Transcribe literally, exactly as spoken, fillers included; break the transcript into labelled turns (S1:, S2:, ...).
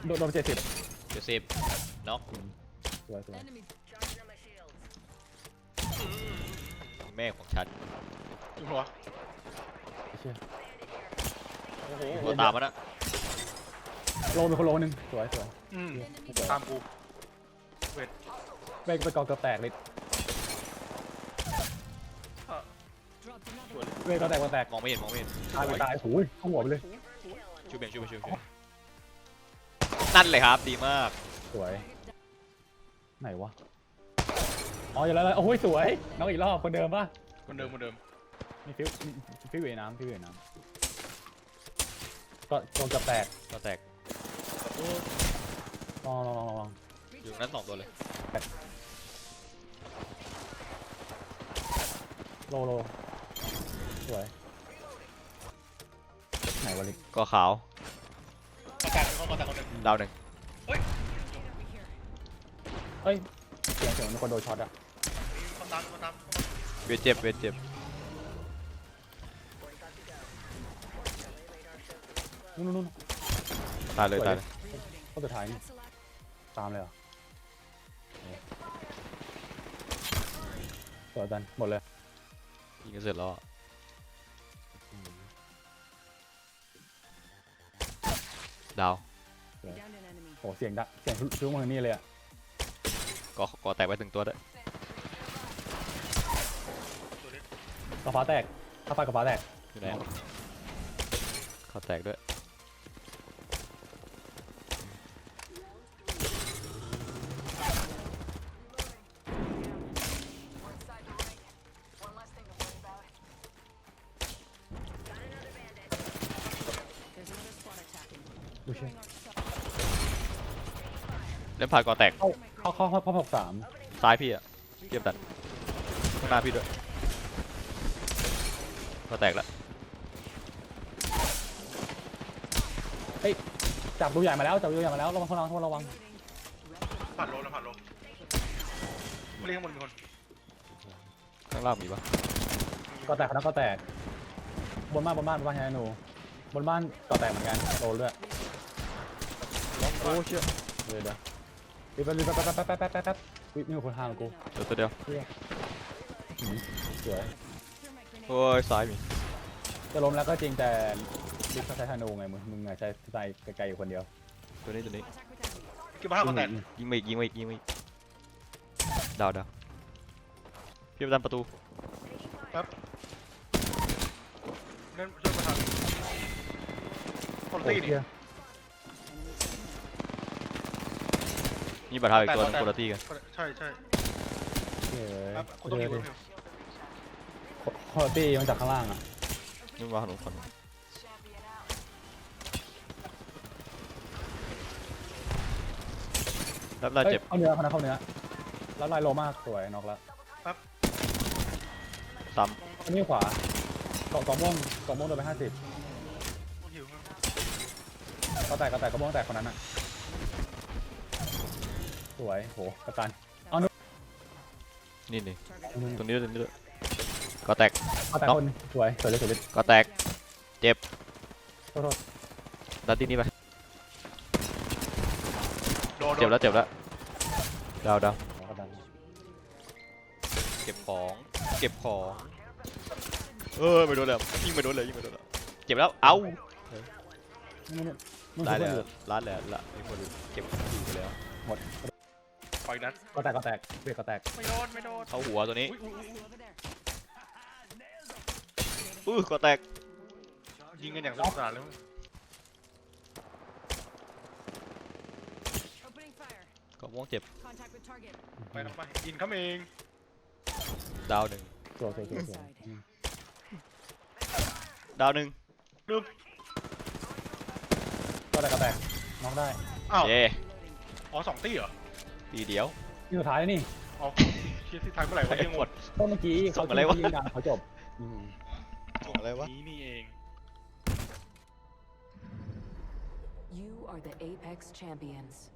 S1: โดนโดนเจ็ดสิบ
S2: เจ็ดสิบน็อก
S1: สวยสวย
S2: แม่ของฉัน
S3: จุ๊บหัว
S1: เชี่ย
S3: โอ้โห
S2: ตัวตามมันนะ
S1: โลมีคนโลนึงสวยสวย
S3: อืมตามกูเวท
S1: เบรกไปกองเกือบแตกเลย
S3: สวยเลย
S1: เบรกก็แตกก็แตก
S2: มองไม่เห็นมองไม่เห็น
S1: ตายไปตายโอ้ยเข้าหัวไปเลย
S2: ชูเบนชูเบนชูเบนนั่นเลยครับดีมาก
S1: สวยไหนวะอ๋ออยู่แล้วโอ้ยสวยน้องอีกรอบคนเดิมป่ะ
S3: คนเดิมคนเดิม
S1: มีฟิวมีฟิวเวน้ำฟิวเวน้ำก็กองเกือบแตก
S2: ก็แตก
S1: ลองลองลองลอง
S2: อยู่นั้นสองตัวเลย
S1: โลโลสวยไหนวะลิ
S2: ก็ขาว
S3: ประกาศเป็นข้อความแต่คนหนึ่ง
S2: ดาวหนึ่ง
S1: เอ้ยเสียงเสียงมีคนโดนช็อตอะ
S3: คำตามคำตาม
S2: เวทเจ็บเวทเจ็บ
S1: นู่นนู่น
S2: ตายเลยตายเลย
S1: ข้อสุดท้ายนี่ตามเลยเหรอสวยจันหมดเลย
S2: ยิงกันเสร็จแล้วอะดาว
S1: โอ้เสียงดังเสียงชุ้งมาทางนี้เลยอะ
S2: ก็ก็แตกไปถึงตัวด้วย
S1: กระฟ้าแตกถ้าไฟกระฟ้าแตก
S2: อยู่ไหนเขาแตกด้วย
S1: ดูเช่
S2: เล่นผ่านก่อแตก
S1: เข้าเข้าเข้าเข้าหกสาม
S2: ซ้ายพี่อะเทียบดันข้างหน้าพี่ด้วยก็แตกแล้ว
S1: จับดูใหญ่มาแล้วจับดูใหญ่มาแล้วระวังระวังระวัง
S3: ผ่านโลแล้วผ่านโลไม่เรียกข้างบนมีคน
S2: ข้างล่างมีปะ
S1: ก็แตกนะก็แตกบนบ้านบนบ้านบนบ้านไงหนูบนบ้านก็แตกเหมือนกันโดนด้วย
S2: โอ้เชี่ย
S1: เดี๋ยวเดี๋ยวรีบไปรีบไปแป๊บแป๊บแป๊บแป๊บแป๊บแป๊บวิมีคนห่างกู
S2: เดี๋ยวตัวเดียว
S1: สวย
S2: โอ้ยซ้ายมี
S1: จะล้มแล้วก็จริงแต่ลิฟต์ใช้ธนูไงมึงมึงไงใช้ใช้ไกลๆอยู่คนเดียว
S2: ตัวนี้ตัวนี้
S3: กี่บ้าคนแตก
S2: ยิงมาอีกยิงมาอีกยิงมาอีกดาวดาวพี่ประดันประตู
S3: นั่นช่วยประธานคนตีนี่
S2: มีบัตรเท้าอีกตัวนึงคนละที่กัน
S3: ใช่ใช่
S1: เฮ้
S3: ครับ
S1: ย
S3: คุณต้องมีคน
S1: คอร์ตี้มันจากข้างล่างอ่ะ
S2: นี่มาขนมขนมรับได้เจ็บ
S1: เข้าเนื้อเขานะเข้าเนื้อแล้วลายโลมากสวยน็อกแล้ว
S2: ซ้
S1: อันนี้ขวาเกาะกองม่วงกองม่วงโดนไปห้าสิบ
S3: หิว
S1: ก็แตกก็แตกกระม่วงแตกคนนั้นอ่ะสวยโหกระตัน
S2: ำนี่นี่ตรงนี้ด้วยตรงนี้ด้วยก็แตก
S1: ก็แตกคนสวยสวยเลยสวยเลย
S2: ก็แตกเจ็บ
S1: โทษโทษ
S2: ดันที่นี่ไป
S3: โดน
S2: เจ็บแล้วเจ็บแล้วดาวดาว
S1: กระตัน
S2: เก็บของเก็บของเออไม่โดนแล้วยิงไม่โดนเลยยิงไม่โดนแล้วเจ็บแล้วเอ้า
S1: มึง
S2: ได้
S1: ช่วย
S2: แล้ว
S1: เพื่อน
S2: ร้านแล้วละไอ้คนเก็บอยู่ไปแล้ว
S1: หมด
S3: ปล่อยนัด
S1: ก็แตกก็แตกเบรกก็แตก
S3: ไม่โดนไม่โดน
S2: เข้าหัวตัวนี้
S3: อุ้ยอุ้ยอุ้ย
S2: อื้อก็แตก
S3: ยิงกันอย่างสนุกสนานเลย
S2: ก็ม่วงเจ็บ
S3: ไปทำไปยินเขาเอง
S2: ดาวหนึ่ง
S1: สวยสวยสวยสวย
S2: ดาวหนึ่ง
S3: ดึง
S1: ก็แตกก็แตกน็อกได้
S3: อ้าว
S2: เย่
S3: อ๋อสองตีเหรอ
S2: ทีเดียว
S1: ที่สุดท้ายนี่
S3: อ๋อเชียร์ที่ไทยเมื่อไหร่วะ
S2: ไอ้
S3: ยัง
S2: ห
S3: ห
S2: ม
S3: ม
S2: ด
S3: ด
S1: ก็เมื่อกี้
S2: ส่
S1: เขา
S2: งอะไรวะ
S1: ยิงดังเขาจบอืม
S2: อะไรวะ
S3: นี้นี่เอง
S4: You are the Apex Champions.